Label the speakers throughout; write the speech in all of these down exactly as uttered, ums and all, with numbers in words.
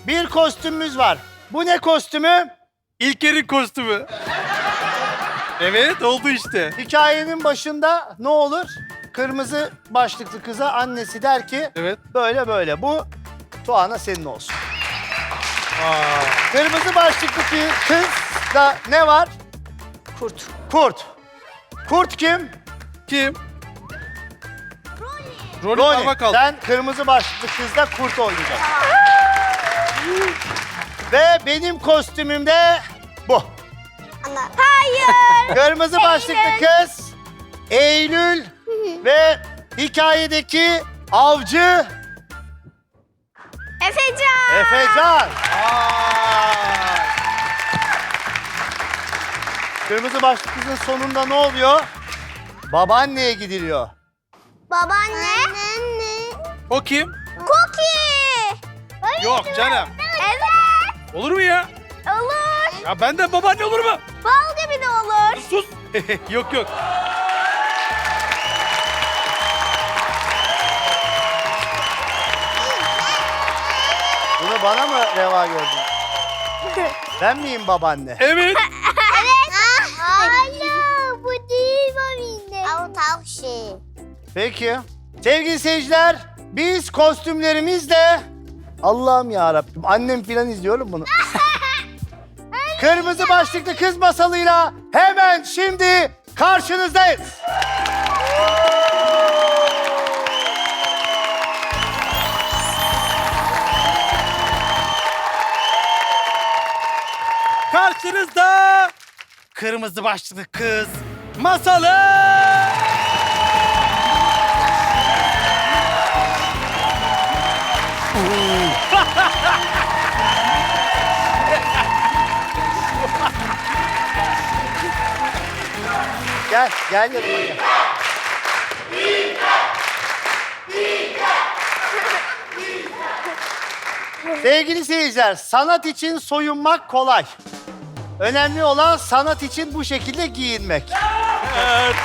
Speaker 1: bir kostümümüz var. Bu ne kostümü?
Speaker 2: İlker'in kostümü. Evet, oldu işte.
Speaker 1: Hikayenin başında ne olur? Kırmızı başlıklı kıza annesi der ki
Speaker 2: Evet.
Speaker 1: böyle böyle. Bu Tuana senin olsun. Aa. Kırmızı başlıklı ki- kızda ne var? Kurt. Kurt. Kurt kim?
Speaker 2: Kim? Rolly
Speaker 1: Roni.
Speaker 2: parmak aldı.
Speaker 1: Sen kırmızı başlıklı kızda kurt oynayacaksın. Ve benim kostümüm de bu.
Speaker 3: Hayır.
Speaker 1: Kırmızı başlıklı kız Eylül ve hikayedeki avcı
Speaker 3: Efecan.
Speaker 1: Efecan. Aa. Kırmızı başlıklı kızın sonunda ne oluyor? Babaanneye gidiliyor.
Speaker 3: Babaanne. Anne.
Speaker 2: O kim?
Speaker 3: Cookie.
Speaker 2: Yok canım.
Speaker 3: Evet.
Speaker 2: Olur mu ya?
Speaker 3: Olur.
Speaker 2: Ya benden babaanne olur mu?
Speaker 3: Bal gibi de olur.
Speaker 2: Sus. Yok yok.
Speaker 1: Bunu bana mı reva gördün? Ben miyim babaanne?
Speaker 2: Evet.
Speaker 3: Evet. Hayır. Bu değil babaanne. Ama tavuk şey.
Speaker 1: Peki. Sevgili seyirciler, biz kostümlerimizle Allah'ım ya Rabbim, annem filan izliyorum bunu. Kırmızı başlıklı kız masalıyla hemen şimdi karşınızdayız.
Speaker 2: Karşınızda kırmızı başlıklı kız masalı.
Speaker 1: Gel, gel yanıma gel. Sevgili seyirciler, sanat için soyunmak kolay. Önemli olan sanat için bu şekilde giyinmek.
Speaker 2: Evet.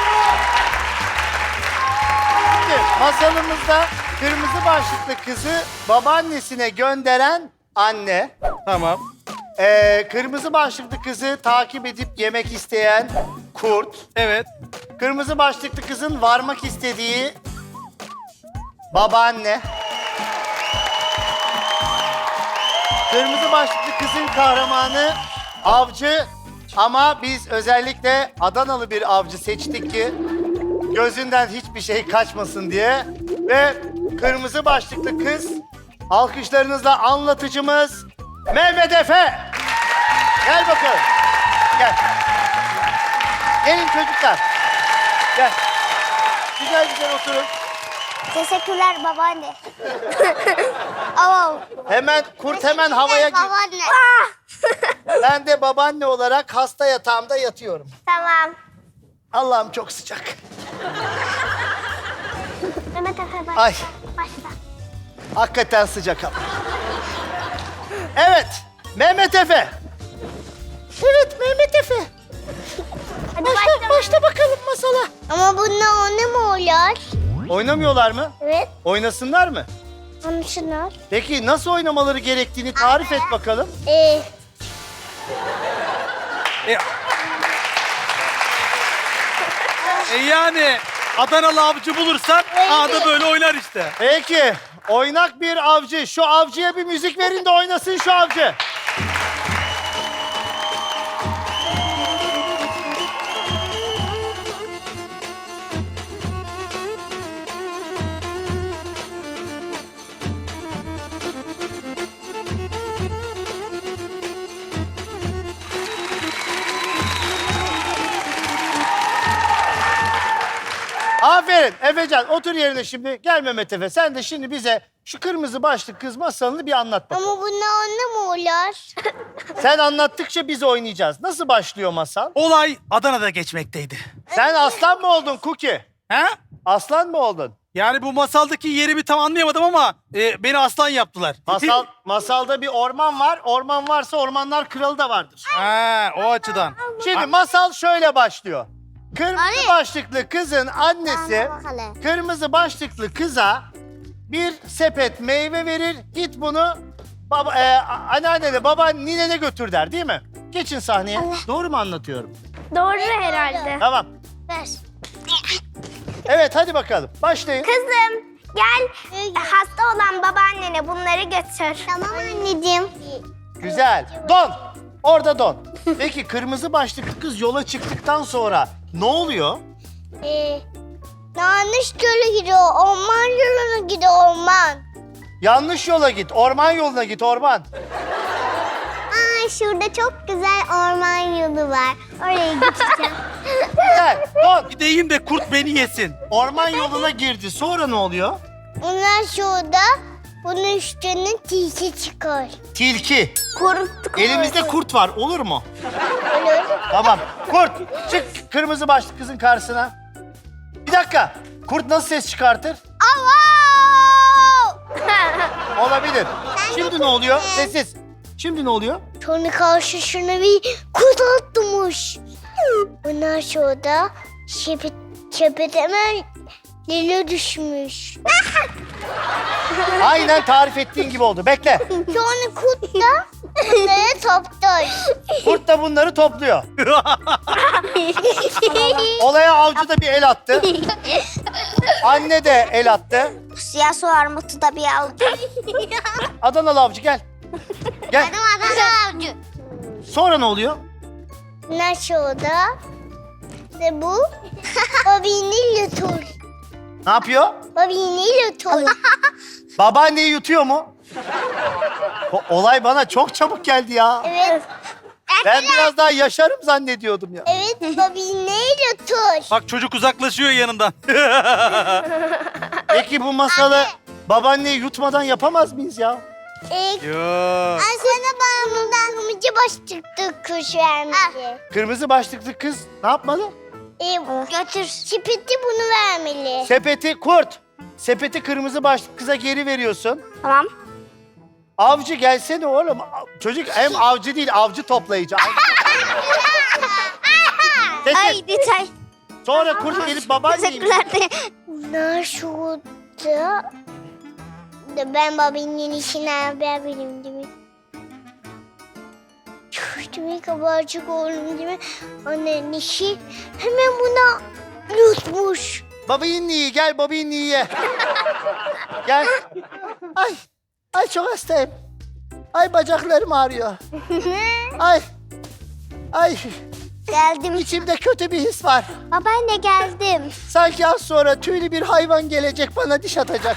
Speaker 1: Şimdi masalımızda kırmızı başlıklı kızı babaannesine gönderen anne,
Speaker 2: Tamam.
Speaker 1: ee, kırmızı başlıklı kızı takip edip yemek isteyen kurt,
Speaker 2: Evet.
Speaker 1: kırmızı başlıklı kızın varmak istediği babaanne, kırmızı başlıklı kızın kahramanı avcı, ama biz özellikle Adanalı bir avcı seçtik ki gözünden hiçbir şey kaçmasın diye. Ve kırmızı başlıklı kız alkışlarınızla anlatıcımız Mehmet Efe. Gel bakalım. Gel. Gelin çocuklar. Gel. Güzel güzel oturun.
Speaker 3: Teşekkürler babaanne. Ama
Speaker 1: Hemen kurt hemen havaya gir.
Speaker 3: babaanne.
Speaker 1: Ben de babaanne olarak hasta yatağımda yatıyorum.
Speaker 3: Tamam.
Speaker 1: Allah'ım çok sıcak.
Speaker 3: Mehmet Efe başla.
Speaker 1: Ay.
Speaker 3: Başla.
Speaker 1: Hakikaten sıcak ama. Evet, Mehmet Efe. Evet, Mehmet Efe.
Speaker 3: Hadi
Speaker 1: Başla,
Speaker 3: başla.
Speaker 1: başla bakalım masala.
Speaker 3: Ama bununla anne mi oluyor?
Speaker 1: Oynamıyorlar mı?
Speaker 3: Evet.
Speaker 1: Oynasınlar mı?
Speaker 3: Anlaşılır.
Speaker 1: Peki nasıl oynamaları gerektiğini tarif et bakalım.
Speaker 3: Ee,
Speaker 2: E, e yani Adanalı avcı bulursan ağda böyle oynar işte.
Speaker 1: Peki, oynak bir avcı. Şu avcıya bir müzik verin de oynasın şu avcı. Aferin Efecan, otur yerine şimdi. Gel Mehmet Efe, sen de şimdi bize şu kırmızı başlık kız masalını bir anlat bakalım.
Speaker 3: ama bununla anne mi oluyor?
Speaker 1: Sen anlattıkça biz oynayacağız. Nasıl başlıyor masal?
Speaker 2: Olay Adana'da geçmekteydi.
Speaker 1: Sen aslan mı oldun Cookie?
Speaker 2: He?
Speaker 1: Aslan mı oldun?
Speaker 2: Yani bu masaldaki yerimi tam anlayamadım ama e, beni aslan yaptılar.
Speaker 1: Masal, masalda bir orman var. Orman varsa ormanlar kralı da vardır.
Speaker 2: Ha, o açıdan.
Speaker 1: Şimdi masal şöyle başlıyor. Kırmızı
Speaker 3: Ali.
Speaker 1: başlıklı kızın annesi
Speaker 3: Anne bakalım.
Speaker 1: kırmızı başlıklı kıza bir sepet meyve verir. Git bunu Baba, e, anneannene, baban ninene götür der değil mi? Geçin sahneye. Doğru mu anlatıyorum?
Speaker 4: Doğru herhalde.
Speaker 1: Tamam.
Speaker 3: Ver.
Speaker 1: Evet hadi bakalım. Başlayın.
Speaker 4: Kızım gel hasta olan babaannene bunları götür.
Speaker 3: Tamam anneciğim.
Speaker 1: Güzel. Don. Orada don. Peki kırmızı başlıklı kız yola çıktıktan sonra ne oluyor?
Speaker 3: Ee, yanlış yola gidiyor. Orman yoluna gidiyor orman.
Speaker 1: Yanlış yola git. Orman yoluna git orman.
Speaker 3: Aa, şurada çok güzel orman yolu var. Oraya gideceğim.
Speaker 1: Güzel. Don.
Speaker 2: Gideyim de kurt beni yesin.
Speaker 1: Orman yoluna girdi. Sonra ne oluyor?
Speaker 3: Ondan şurada bunun üstüne tilki çıkar.
Speaker 1: Tilki.
Speaker 4: Kurt.
Speaker 1: Elimizde kurt var. Olur mu?
Speaker 3: Olur.
Speaker 1: Tamam. Kurt. Çık kırmızı başlıklı kızın karşısına. Bir dakika. Kurt nasıl ses çıkartır? Olabilir. Şimdi ne oluyor? Sessiz. Şimdi ne oluyor?
Speaker 3: Sonra karşısına bir kurt atmış. Ondan sonra şepet, şepet hemen lila düşmüş.
Speaker 1: Aynen tarif ettiğin gibi oldu. Bekle.
Speaker 3: Sonra kurt da bunları toplar.
Speaker 1: Kurt da bunları topluyor. Olaya avcı da bir el attı. Anne de el attı.
Speaker 4: Siyah su armutu da bir aldı.
Speaker 1: Adanalı avcı gel. Gel.
Speaker 3: Benim adım avcı.
Speaker 1: Sonra ne oluyor?
Speaker 3: Ondan sonra ve bu babini yutur.
Speaker 1: Ne yapıyor?
Speaker 3: Babini yutur.
Speaker 1: Babaanneyi yutuyor mu? O- olay bana çok çabuk geldi ya.
Speaker 3: Evet.
Speaker 1: Ben biraz daha yaşarım zannediyordum ya.
Speaker 3: Evet, babini yutur.
Speaker 2: Bak çocuk uzaklaşıyor yanından.
Speaker 1: Peki bu masalı babaanneyi yutmadan yapamaz mıyız ya?
Speaker 3: İlk
Speaker 2: Yo.
Speaker 3: ben sana bana bundan kımıcı başlıklı kuş vermeli.
Speaker 1: Kırmızı başlıklı kız ne yapmalı?
Speaker 3: Ee, götür. Şipeti bunu vermeli.
Speaker 1: Sepeti kurt. Sepeti kırmızı başlıklı kıza geri veriyorsun.
Speaker 4: Tamam.
Speaker 1: Avcı gelsene oğlum. Çocuk hem avcı değil avcı toplayıcı. Sessiz.
Speaker 4: Ay detay.
Speaker 1: Sonra kurt gelip babaanneyi...
Speaker 4: Teşekkürler de.
Speaker 3: Bunlar şurada. Da ben babanın işine haber vereyim değil mi? Değil kabarcık oğlum değil mi? Annenin işi hemen buna yutmuş.
Speaker 1: Babayın gel babayın ye. Gel. Ay. Ay çok hastayım. Ay bacaklarım ağrıyor. Ay. Ay.
Speaker 4: Geldim.
Speaker 1: İçimde kötü bir his var.
Speaker 4: Babaanne geldim.
Speaker 1: Sanki az sonra tüylü bir hayvan gelecek bana diş atacak.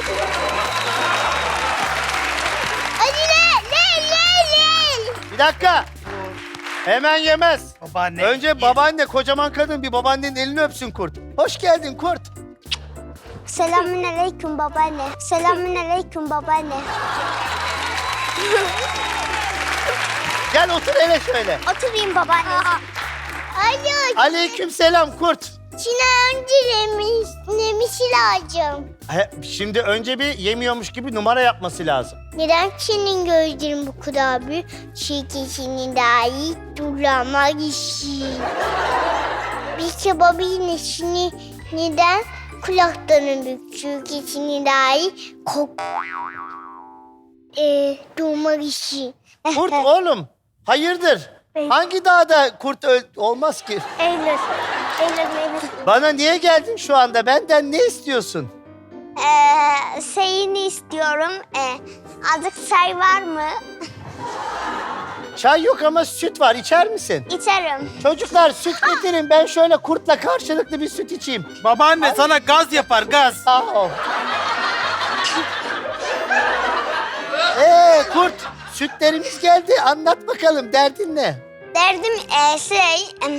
Speaker 3: Hadi le le le le.
Speaker 1: Bir dakika. Hemen yemez.
Speaker 2: Babaanne.
Speaker 1: Önce babaanne kocaman kadın bir babaannenin elini öpsün kurt. Hoş geldin kurt.
Speaker 4: Selamün aleyküm babaanne. Selamün aleyküm babaanne.
Speaker 1: Gel otur hele şöyle.
Speaker 4: Oturayım babaanne.
Speaker 3: Hayır.
Speaker 1: Aleyküm selam kurt.
Speaker 3: Çin'e önce lemiş, lemişi lazım.
Speaker 1: He, şimdi önce bir yemiyormuş gibi numara yapması lazım.
Speaker 3: Neden Çin'in gözleri bu kadar büyük? Şirketinin dahi durama işi. Bir kebabın işini neden kulaklarının büyük? Şirketinin dahi kok... Ee, durma işi.
Speaker 1: Kurt oğlum hayırdır? Hangi dağda kurt öl- olmaz ki?
Speaker 4: Eylül. Eylül Eylül.
Speaker 1: Bana niye geldin şu anda? Benden ne istiyorsun?
Speaker 4: Ee, şeyini istiyorum. Ee, azıcık çay var mı?
Speaker 1: Çay yok ama süt var. İçer misin?
Speaker 4: İçerim.
Speaker 1: Çocuklar süt getirin. Ben şöyle kurtla karşılıklı bir süt içeyim.
Speaker 2: Babaanne sana gaz yapar gaz.
Speaker 1: Sağ ol. Ee kurt, sütlerimiz geldi. Anlat bakalım derdin ne?
Speaker 4: Derdim ee, şey... em,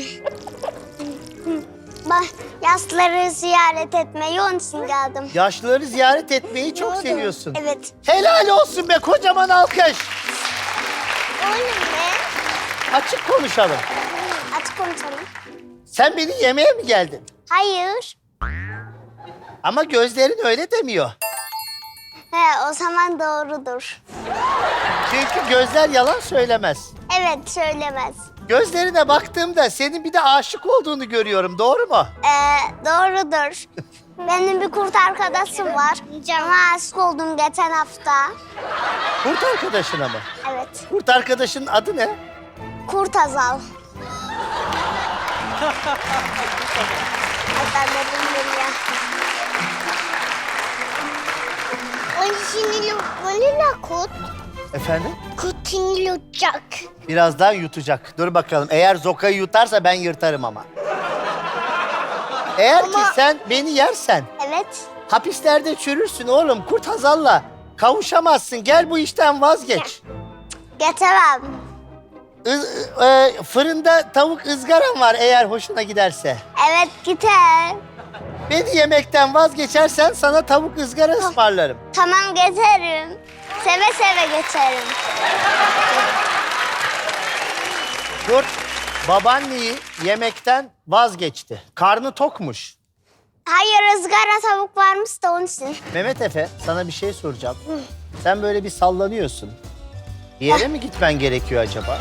Speaker 4: Bak, yaşlıları ziyaret etmeyi onun için geldim.
Speaker 1: Yaşlıları ziyaret etmeyi çok seviyorsun.
Speaker 4: Evet.
Speaker 1: Helal olsun be kocaman alkış.
Speaker 3: Oğlum ne?
Speaker 1: Açık konuşalım.
Speaker 4: Açık konuşalım.
Speaker 1: Sen beni yemeğe mi geldin?
Speaker 4: Hayır.
Speaker 1: Ama gözlerin öyle demiyor.
Speaker 4: He, o zaman doğrudur.
Speaker 1: Çünkü gözler yalan söylemez.
Speaker 4: Evet, söylemez.
Speaker 1: Gözlerine baktığımda senin bir de aşık olduğunu görüyorum. Doğru mu?
Speaker 4: Ee, doğrudur. Benim bir kurt arkadaşım var. Ona aşık oldum geçen hafta.
Speaker 1: Kurt arkadaşına mı?
Speaker 4: Evet.
Speaker 1: Kurt arkadaşının adı ne?
Speaker 4: Kurt Azal. Ay ben de bilmiyorum ya.
Speaker 3: Onu şimdi yutmalı kurt.
Speaker 1: Efendim?
Speaker 3: Kurt şimdi yutacak.
Speaker 1: Birazdan yutacak. Dur bakalım. Eğer Zoka'yı yutarsa ben yırtarım ama. Eğer ki sen beni yersen
Speaker 4: Evet.
Speaker 1: hapislerde çürürsün oğlum. Kurt Hazal'la kavuşamazsın. Gel bu işten vazgeç.
Speaker 4: Getirem.
Speaker 1: Iz- e, fırında tavuk ızgaram var eğer hoşuna giderse.
Speaker 4: Evet gider.
Speaker 1: Beni yemekten vazgeçersen sana tavuk ızgara ısmarlarım.
Speaker 4: Tamam geçerim. Seve seve geçerim.
Speaker 1: Kurt babaanneyi yemekten vazgeçti. Karnı tokmuş.
Speaker 4: Hayır ızgara tavuk varmış da onun için.
Speaker 1: Mehmet Efe sana bir şey soracağım. Sen böyle bir sallanıyorsun. Bir yere mi gitmen gerekiyor acaba?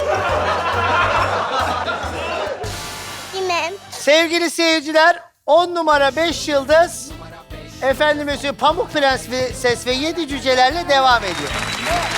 Speaker 3: Bilmem.
Speaker 1: Sevgili seyirciler, on numara beş yıldız efendime söyleyeyim Pamuk Prens ve Ses ve Yedi Cücelerle devam ediyor.